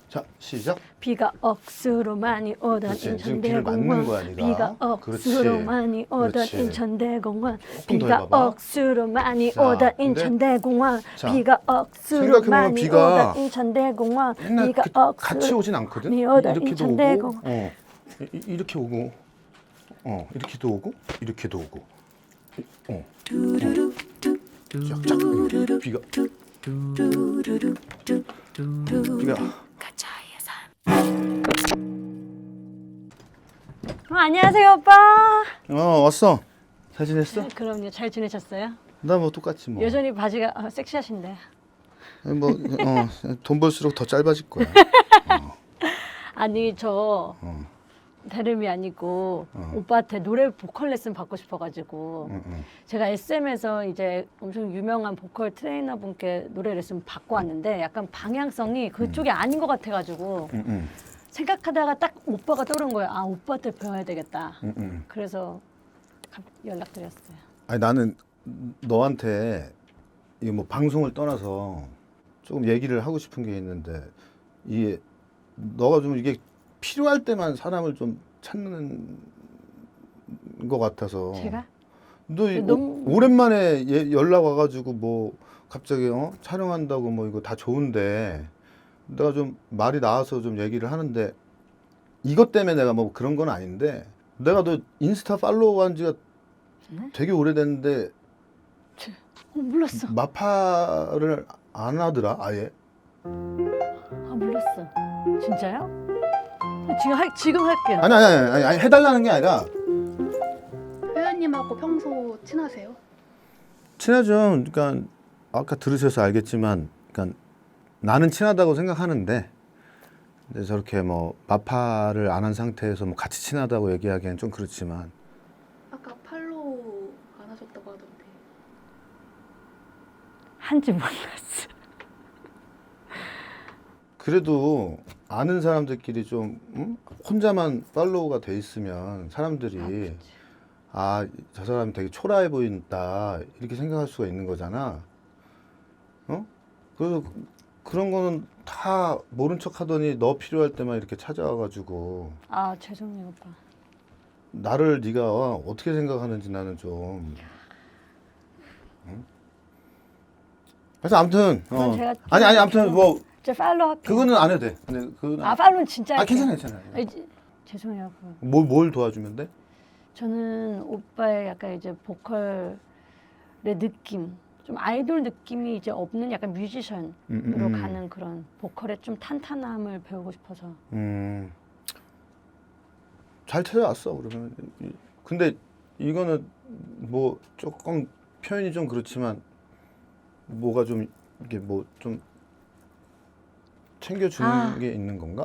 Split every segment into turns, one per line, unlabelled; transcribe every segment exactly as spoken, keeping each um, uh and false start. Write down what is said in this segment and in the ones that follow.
자, 시작.
비가 억수로 많이 오던
그렇지. 지금 귀를 맞는
인천대공원.
거야, 네가.
비가 억수로
그렇지.
많이 오던
그렇지.
인천대공원.
조금 더
비가
해봐봐.
억수로 많이
자,
오던
근데-
인천대공원.
자,
비가 억수로
생각해보면
많이
비가
오던 인천대공원.
맨날
비가
그-
억수로
같이 오진 않거든.
많이 오던
이렇게도 오고,
인천대공원.
어, 이, 이렇게 오고, 어, 이렇게도 오고, 이렇게도 오고, 이- 어, 어. 쫙쫙 비가 비가
어, 안녕하세요 오빠.
어 왔어. 잘 지냈어?
네, 그럼요. 잘 지내셨어요?
나 뭐 똑같지 뭐.
여전히 바지가 아, 섹시하신데.
뭐어돈 벌수록 더 짧아질 거야.
아니 저
어.
다름이 아니고
어.
오빠한테 노래 보컬 레슨 받고 싶어가지고
응, 응.
제가 에스엠에서 이제 엄청 유명한 보컬 트레이너 분께 노래 레슨 받고 왔는데 약간 방향성이 그쪽이 아닌 것 같아가지고
응, 응,
생각하다가 딱 오빠가 떠오른 거예요. 아 오빠한테 배워야 되겠다.
응, 응.
그래서 갑- 연락드렸어요.
아니 나는 너한테 이게 뭐 방송을 떠나서 조금 얘기를 하고 싶은 게 있는데 이게 너가 좀 이게 필요할 때만 사람을 좀 찾는 것 같아서.
제가?
너 이-
너무-
오, 오랜만에 얘 연락 와가지고 뭐 갑자기 어? 촬영한다고 뭐 이거 다 좋은데 내가 좀 말이 나와서 좀 얘기를 하는데 이것 때문에 내가 뭐 그런 건 아닌데 내가 너 인스타 팔로우한 지가
네?
되게 오래됐는데
어, 몰랐어.
마파를 안 하더라 아예.
아 몰랐어. 진짜요? 지금 할 지금 할게요.
아니 아니 아니, 아니, 아니 해달라는 게 아니라
회원님하고 평소 친하세요?
친하죠. 그러니까 아까 들으셔서 알겠지만, 그러니까 나는 친하다고 생각하는데, 근데 저렇게 뭐 마파를 안 한 상태에서 뭐 같이 친하다고 얘기하기엔 좀 그렇지만,
아까 팔로우 안 하셨다고 하던데.
한지 몰랐어.
그래도 아는 사람들끼리 좀 음? 혼자만 팔로우가 돼 있으면 사람들이 아, 저 사람이 되게 초라해 보인다 이렇게 생각할 수가 있는 거잖아. 어? 그래서 그- 그런 거는 다 모른 척 하더니 너 필요할 때만 이렇게 찾아와가지고
아 죄송해요 오빠.
나를 네가 어떻게 생각하는지 나는 좀. 응? 그래서 아무튼 어.
그건 제가
아니 아니 아무튼 뭐
제 팔로우 할게요.
그거는 안 해도 돼. 근데 그거는
아 팔로우는 진짜
아
할게요.
괜찮아 괜찮아.
아니, 지- 죄송해요. 그거.
뭘, 뭘 도와주면 돼?
저는 오빠의 약간 이제 보컬의 느낌, 좀 아이돌 느낌이 이제 없는 약간 뮤지션으로
음, 음, 음.
가는 그런 보컬의 좀 탄탄함을 배우고 싶어서.
음, 잘 찾아왔어 그러면. 이- 근데 이거는 뭐 조금 표현이 좀 그렇지만 뭐가 좀 이게 뭐 좀 챙겨주는
아.
게 있는 건가?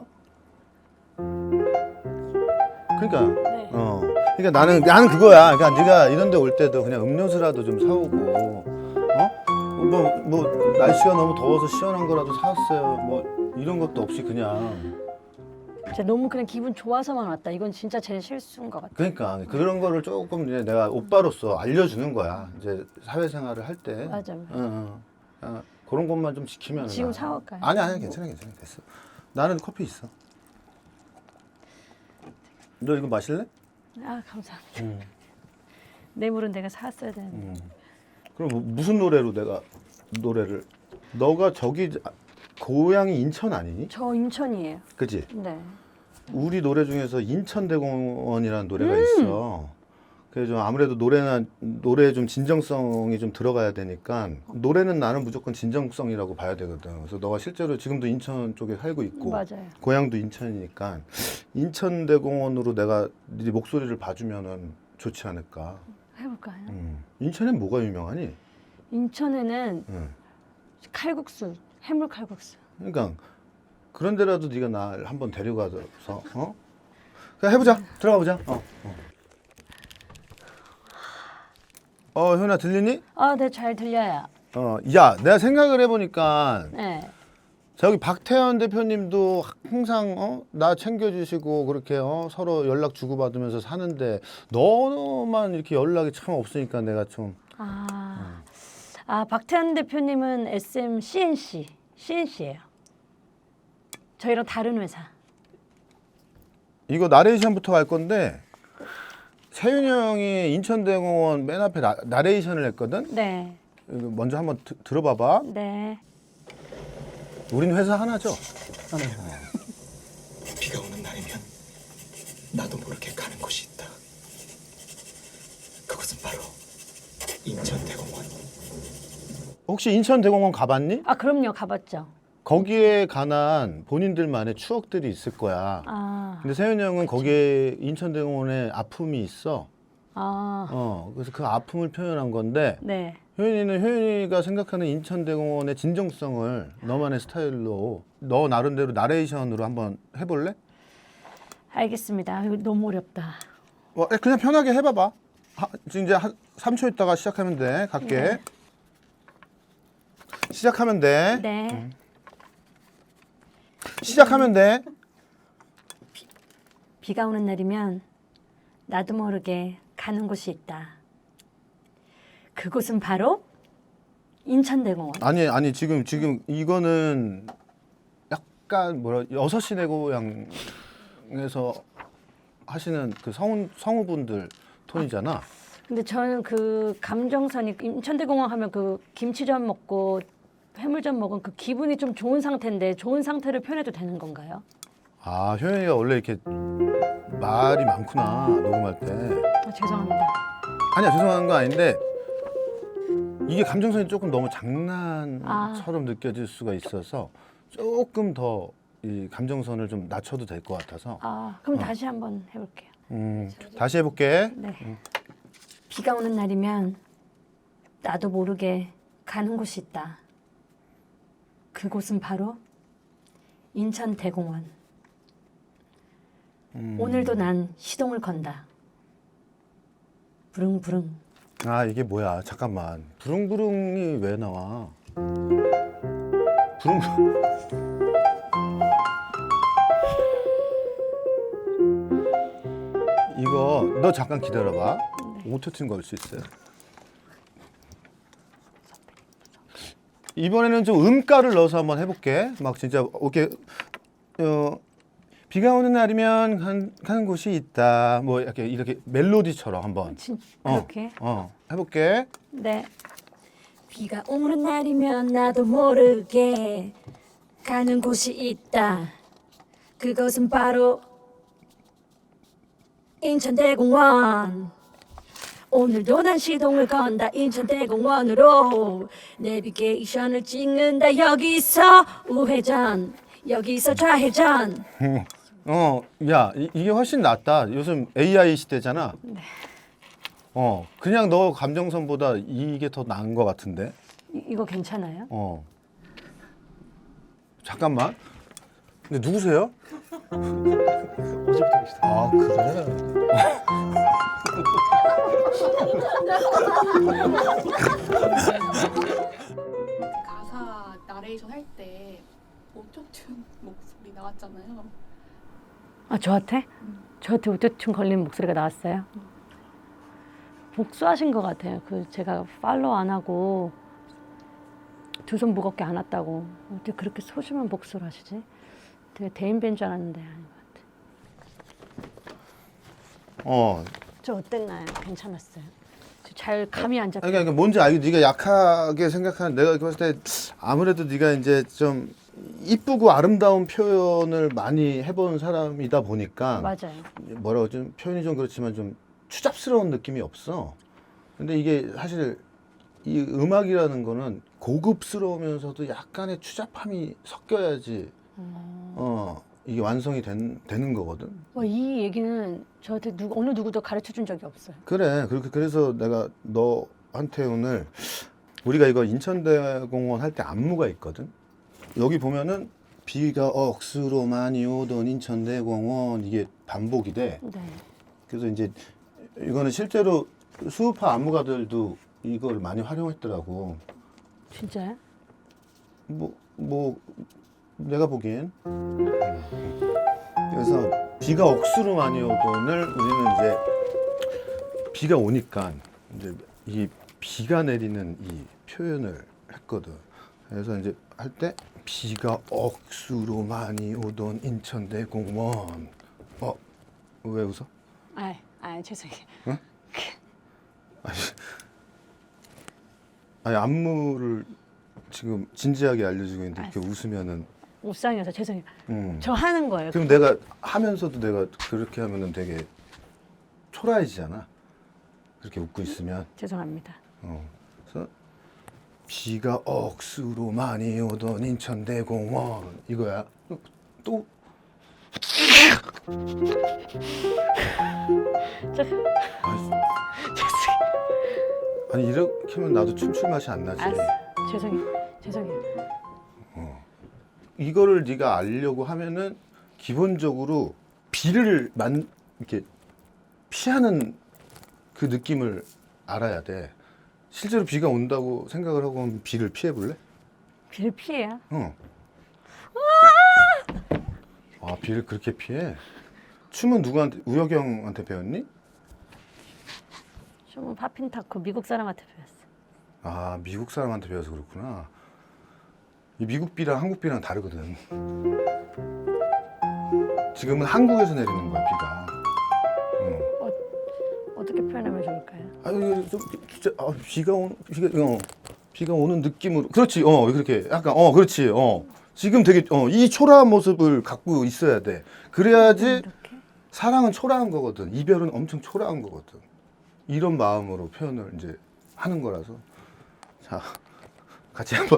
그러니까
네.
어 그러니까 나는 나는 그거야. 그러니까 네가 이런데 올 때도 그냥 음료수라도 좀 사오고 어? 뭐 뭐 날씨가 너무 더워서 시원한 거라도 사왔어요. 뭐 이런 것도 없이 그냥.
제가 너무 그냥 기분 좋아서만 왔다. 이건 진짜 제 실수인 것 같아요.
그러니까 그런 거를 조금 이제 내가 오빠로서 알려주는 거야. 이제 사회생활을 할 때.
맞아.
응, 응. 아, 그런 것만 좀 지키면.
지금 사올까요?
아니 아니 괜찮아 괜찮아 됐어. 나는 커피 있어. 너 이거 마실래?
아 감사합니다.
응.
뇌물은 내가 사왔어야 되는데.
응. 그럼 뭐 무슨 노래로 내가 노래를? 너가 저기 고향이 인천 아니니?
저 인천이에요.
그지?
네.
우리 노래 중에서 인천대공원이라는 노래가
음.
있어. 그래서 좀 아무래도 노래나 노래에 좀 진정성이 좀 들어가야 되니까 노래는 나는 무조건 진정성이라고 봐야 되거든. 그래서 너가 실제로 지금도 인천 쪽에 살고 있고
맞아요.
고향도 인천이니까 인천대공원으로 내가 네 목소리를 봐주면은 좋지 않을까.
해볼까요?
음. 인천엔 뭐가 유명하니?
인천에는
음.
칼국수, 해물 칼국수.
그러니까 그런 데라도 네가 날 한번 데려가서 어? 그냥 해보자. 들어가 보자. 어. 어. 어, 현아 들리니?
아, 네, 잘 들려요.
어, 야, 내가 생각을 해보니까
네.
저기 박태현 대표님도 항상 어? 나 챙겨주시고 그렇게 어? 서로 연락 주고받으면서 사는데 너만 이렇게 연락이 참 없으니까 내가 좀
아, 아 박태환 대표님은 에스엠 씨엔씨, 씨엔씨예요. 저희랑 다른 회사.
이거 나레이션부터 갈 건데 세윤이 형이 인천대공원 맨 앞에 나, 나레이션을 했거든.
네.
이거 먼저 한번 드, 들어봐봐.
네.
우린 회사 하나죠?
비가 오는 날이면 나도 모르게 가는 곳이 있다. 그곳은 바로 인천대공원.
혹시 인천대공원 가봤니?
아 그럼요 가봤죠.
거기에 관한 본인들만의 추억들이 있을 거야.
아.
근데 세윤이 형은 거기에 인천대공원에 아픔이 있어.
아.
어, 그래서 그 아픔을 표현한 건데
네.
효연이는 효연이가 생각하는 인천대공원의 진정성을 너만의 스타일로 너 나름대로 나레이션으로 한번 해볼래?
알겠습니다. 이거 너무 어렵다.
어, 그냥 편하게 해봐봐. 하, 지금 이제 한 삼 초 있다가 시작하면 돼. 갈게.
네.
시작하면 돼.
네.
시작하면 돼.
비가 오는 날이면 나도 모르게 가는 곳이 있다. 그곳은 바로 인천대공원.
아니 아니 지금 지금 이거는 약간 뭐라 여섯 시내 고향에서 하시는 그 성우 성우분들 톤이잖아.
근데 저는 그 감정선이 인천대공원 하면 그 김치전 먹고 해물전 먹은 그 기분이 좀 좋은 상태인데 좋은 상태를 표현해도 되는 건가요?
아 효연이가 원래 이렇게 말이 많구나 녹음할 때.
아, 죄송합니다.
아니야 죄송한 거 아닌데 이게 감정선이 조금 너무 장난처럼 느껴질 수가 있어서 조금 더 이 감정선을 좀 낮춰도 될 것 같아서.
아 그럼
어.
다시 한번 해볼게요.
음 다시 해볼게.
네. 비가 오는 날이면 나도 모르게 가는 곳이 있다. 그곳은 바로 인천대공원.
음.
오늘도 난 시동을 건다. 부릉부릉.
아 이게 뭐야 잠깐만 부릉부릉이 왜 나와? 부릉부릉. 이거 너 잠깐 기다려봐. 오토튠 걸 수 있어요. 이번에는 좀 음가를 넣어서 한번 해볼게. 막 진짜 오케이. 어, 비가 오는 날이면 간, 가는 곳이 있다. 뭐 이렇게 이렇게 멜로디처럼 한번.
진,
어,
그렇게?
어, 해볼게.
네. 비가 오는 날이면 나도 모르게 가는 곳이 있다. 그것은 바로 인천대공원. 오늘도 난 시동을 건다. 인천대공원으로 내비게이션을 찍는다. 여기서 우회전, 여기서 좌회전.
어, 야, 이, 이게 훨씬 낫다. 요즘 에이아이 시대잖아.
네.
어, 그냥 너 감정선보다 이게 더 나은 것 같은데.
이, 이거 괜찮아요?
어. 잠깐만. 근데 누구세요?
어제부터 계시다.
아, 그래?
가사 나레이션 할 때 오토튠 목소리 나왔잖아요.
아 저한테? 저한테 오토튠 걸린 목소리가 나왔어요? 복수하신 것 같아요. 그 제가 팔로우 안 하고 두 손 무겁게 안 왔다고 어떻게 그렇게 소심한 복수를 하시지? 되게 대인배인 줄 알았는데 아닌 것 같아.
어.
저 어땠나요? 괜찮았어요? 저 잘 감이 안 잡혀.
아니, 그러니까 뭔지 알고 네가 약하게 생각하는 내가 봤을 때 아무래도 네가 이제 좀 이쁘고 아름다운 표현을 많이 해본 사람이다 보니까
맞아요.
뭐라고 좀 표현이 좀 그렇지만 좀 추잡스러운 느낌이 없어. 근데 이게 사실 이 음악이라는 거는 고급스러우면서도 약간의 추잡함이 섞여야지 어 이게 완성이 된, 되는 거거든.
와, 이 얘기는 저한테 누구, 어느 누구도 가르쳐 준 적이 없어요.
그래 그렇게 그래서 내가 너한테 오늘 우리가 이거 인천대공원 할 때 안무가 있거든. 여기 보면은 비가 억수로 많이 오던 인천대공원 이게 반복이 돼.
네.
그래서 이제 이거는 실제로 수우파 안무가들도 이걸 많이 활용했더라고.
진짜요?
뭐, 뭐 내가 보기엔. 그래서 비가 억수로 많이 오던을 우리는 이제 비가 오니까 이제 이 비가 내리는 이 표현을 했거든. 그래서 이제 할 때 비가 억수로 많이 오던 인천대공원. 어, 왜 웃어?
아, 아 죄송해요.
아니, 아니 안무를 지금 진지하게 알려주고 있는데 이렇게 웃으면은.
옷상이어서 죄송해요.
음.
저 하는 거예요.
그럼 내가 하면서도 내가 그렇게 하면은 되게 초라해지잖아. 그렇게 웃고 있으면.
죄송합니다.
어. 그래서 비가 억수로 많이 오던 인천대공원 이거야. 또
저,
아니,
죄송해요.
아니 이렇게 하면 나도 춤출 맛이 안 나지.
알았어. 죄송해요. 죄송해요.
이거를 네가 알려고 하면은 기본적으로 비를 만 이렇게 피하는 그 느낌을 알아야 돼. 실제로 비가 온다고 생각을 하고 하면 비를 피해 볼래?
비를 피해야.
어. 아, 비를 그렇게 피해? 춤은 누구한테, 우혁영한테 배웠니?
춤은 파핀타코 미국 사람한테 배웠어.
아, 미국 사람한테 배워서 그렇구나. 이 미국 비랑 한국 비랑 다르거든. 지금은 한국에서 내리는 거야, 비가. 어.
어떻게 표현하면 좋을까요?
아, 이게 좀 진짜 아, 비가 오 비가 어, 비가 오는 느낌으로. 그렇지. 어, 그렇게 약간 어, 그렇지. 어. 지금 되게 어, 이 초라한 모습을 갖고 있어야 돼. 그래야지
이렇게?
사랑은 초라한 거거든. 이별은 엄청 초라한 거거든. 이런 마음으로 표현을 이제 하는 거라서. 자, 같이 한번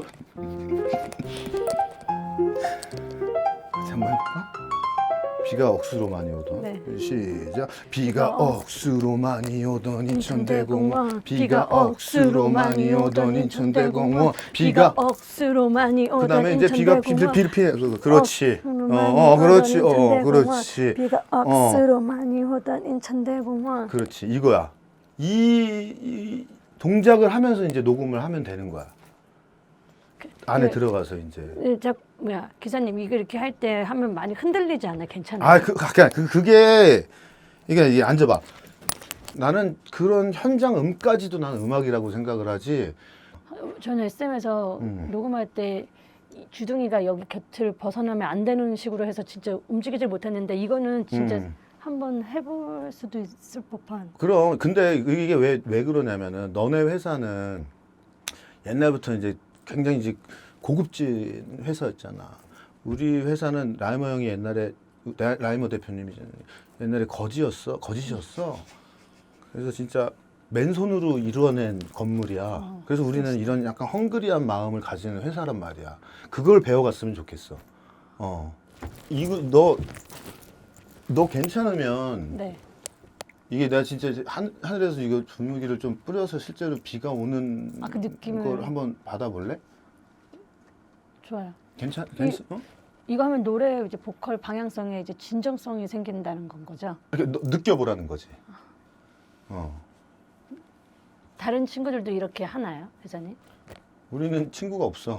같이 한번 해볼까? 비가 억수로 많이 오던.
네.
시작. 비가 억수로 많이 오던 인천대공원.
인천대공원.
비가 억수로 많이 오던 인천대공원. 비가
억수로 많이 오던
그다음에 이제 비가 비를 비를 피해. 그렇지. 어, 어, 그렇지. 어, 그렇지.
비가 억수로 많이 오던 인천대공원.
그렇지. 이거야. 이, 이 동작을 하면서 이제 녹음을 하면 되는 거야. 안에
그-
들어가서 이제.
예, 자, 뭐야 기사님 이거 이렇게 할 때 하면 많이 흔들리지 않아? 괜찮아요?
아, 그, 그냥 그, 그게 이게 이게 앉아봐. 나는 그런 현장 음까지도 나는 음악이라고 생각을 하지.
저는 에스엠에서
음.
녹음할 때 이 주둥이가 여기 곁을 벗어나면 안 되는 식으로 해서 진짜 움직이질 못했는데 이거는 진짜
음.
한번 해볼 수도 있을 법한.
그럼 근데 이게 왜 왜 그러냐면은 너네 회사는 옛날부터 이제 굉장히 이제 고급진 회사였잖아. 우리 회사는 라이머 형이 옛날에 라- 라이머 대표님이잖아요. 옛날에 거지였어, 거짓이었어. 그래서 진짜 맨손으로 이루어낸 건물이야.
어,
그래서 우리는 이런 약간 헝그리한 마음을 가지는 회사란 말이야. 그걸 배워갔으면 좋겠어. 어, 이거 너 너 괜찮으면
네.
이게 내가 진짜 이제 한, 하늘에서 이거 분무기를 좀 뿌려서 실제로 비가 오는
아, 그 느낌을-
걸 한번 받아볼래?
좋아요.
괜찮, 괜찮, 어?
이거 하면 노래 이제 보컬 방향성에 이제 진정성이 생긴다는 건 거죠.
이렇게 너- 느껴보라는 거지. 어.
다른 친구들도 이렇게 하나요, 회장님?
우리는 친구가 없어.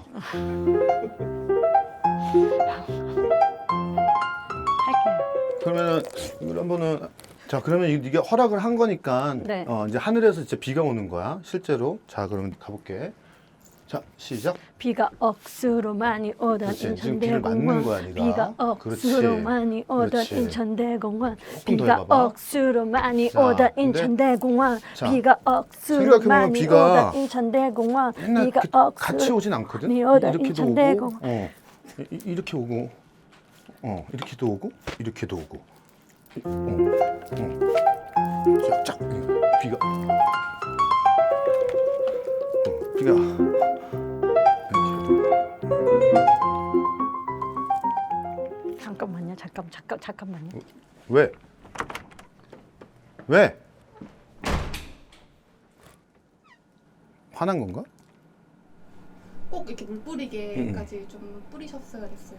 할게요.
그러면은 이걸 한번은 자 그러면 이- 이게 허락을 한 거니까
네.
어, 이제 하늘에서 진짜 비가 오는 거야 실제로. 자 그러면 가볼게. 자 시작.
비가 억수로 많이 오던
그렇지. 지금 비를 맞는
인천대공원.
거야, 네가.
비가 억수로
그렇지.
많이 오던
그렇지.
인천대공원.
조금 더
비가
해봐봐.
억수로 많이
자,
오던
근데-
인천대공원.
자,
비가 억수로
생각해보면
많이
비가
오던 인천대공원.
맨날
비가
이렇게 같이
억수로
오진 않거든.
많이 오던
이렇게도
인천대공원.
오고, 어, 이- 이- 이렇게 오고, 어, 이렇게도 오고, 이렇게도 오고, 어, 어, 쫙, 쫙 비가, 어, 비가 이렇게.
잠깐만요. 잠깐 잠깐 잠깐만요.
왜? 왜? 화난 건가?
꼭 이렇게 물 뿌리게까지 좀 뿌리셨어야 됐어요.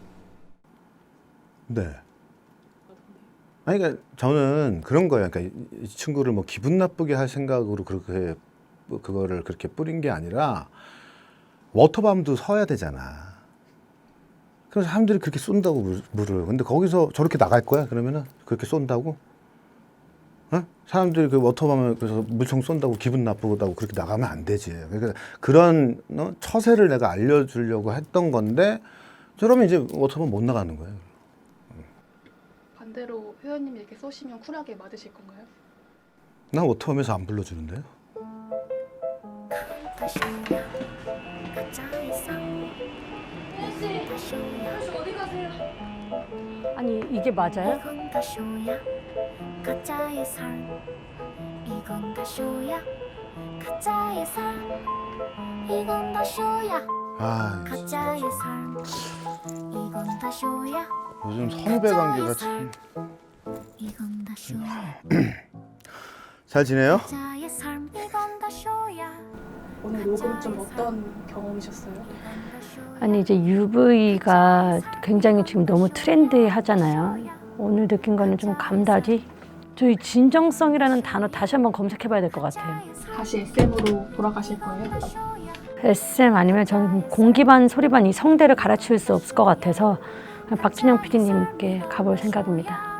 네. 아니, 그러니까 저는 그런 거예요. 그러니까 이, 이 친구를 뭐 기분 나쁘게 할 생각으로 그렇게 뭐 그거를 그렇게 뿌린 게 아니라 워터밤도 서야 되잖아. 그래서 사람들이 그렇게 쏜다고 물, 물을. 근데 거기서 저렇게 나갈 거야? 그러면은 그렇게 쏜다고? 어? 사람들이 그 워터밤을 그래서 물총 쏜다고 기분 나쁘다고 그렇게 나가면 안 되지. 그러니까 그런 어? 처세를 내가 알려주려고 했던 건데 저러면 이제 워터밤 못 나가는 거예요.
반대로 회원님이 이렇게 쏘시면 쿨하게 맞으실 건가요?
난 워터밤에서 안 불러주는데요.
아니 이게 맞아요?
이건 다 쇼야 가짜의 삶 이건 다 쇼야 가짜의 삶 이건 다 쇼야
아
가짜의 삶 이건 다 쇼야
요즘 선후배 관계가 참
이건 다 쇼야
잘 지내요?
가짜의 삶 이건 다 쇼야
오늘 녹음 좀 어떤 경험이셨어요?
아니 이제 유브이가 굉장히 지금 너무 트렌디하잖아요. 오늘 느낀 거는 좀 감다디. 저희 진정성이라는 단어 다시 한번 검색해봐야 될 것 같아요.
다시 에스엠으로 돌아가실 거예요?
에스엠 아니면 저는 공기반 소리반 이 성대를 갈아치울 수 없을 것 같아서 박진영 피디님께 가볼 생각입니다.